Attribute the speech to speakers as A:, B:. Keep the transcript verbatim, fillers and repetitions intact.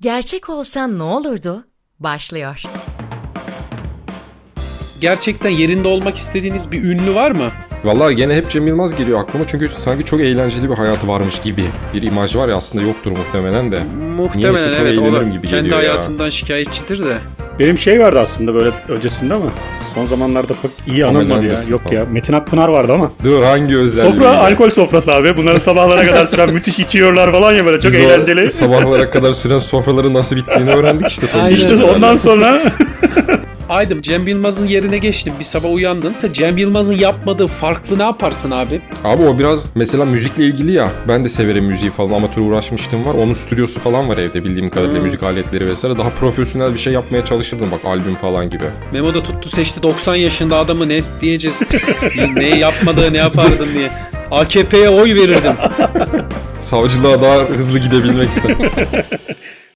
A: Gerçek olsan ne olurdu? Başlıyor.
B: Gerçekten yerinde olmak istediğiniz bir ünlü var mı?
C: Vallahi gene hep Cem Yılmaz geliyor aklıma çünkü sanki çok eğlenceli bir hayatı varmış gibi bir imaj var ya, aslında yoktur muhtemelen de.
B: Muhtemelen
C: Niyeyse çok
B: evet. O da
C: eğlenirim gibi
B: kendi
C: geliyor ya.
B: hayatından şikayetçidir de.
D: Benim şey vardı aslında böyle öncesinde ama son zamanlarda pek iyi
C: Pamela
D: anılmadı ya.
C: Anderson
D: Yok
C: falan.
D: ya. Metin Akpınar vardı ama.
C: Dur, hangi özelliği?
D: Sofra,
C: ya?
D: alkol sofrası abi. Bunları sabahlara kadar süren müthiş içiyorlar falan ya, böyle çok
C: Biz o
D: eğlenceli.
C: sabahlara kadar süren sofraların nasıl bittiğini öğrendik işte son
B: Aynen.
C: bir
D: İşte
C: işte
D: ondan sonra
B: Aydım, Cem Yılmaz'ın yerine geçtim. Bir sabah uyandın. Cem Yılmaz'ın yapmadığı farklı ne yaparsın abi?
C: Abi o biraz mesela müzikle ilgili ya. Ben de severim müziği falan, amatör uğraşmıştım var. Onun stüdyosu falan var evde bildiğim kadarıyla,
B: Hmm.
C: müzik aletleri vesaire. Daha profesyonel bir şey yapmaya çalışırdım bak, albüm falan gibi.
B: Memo da tuttu seçti doksan yaşında adamı, ne diyeceğiz? Ne yapmadığı ne yapardın diye. A K P'ye oy verirdim.
C: Savcılığa daha hızlı gidebilmek istedim.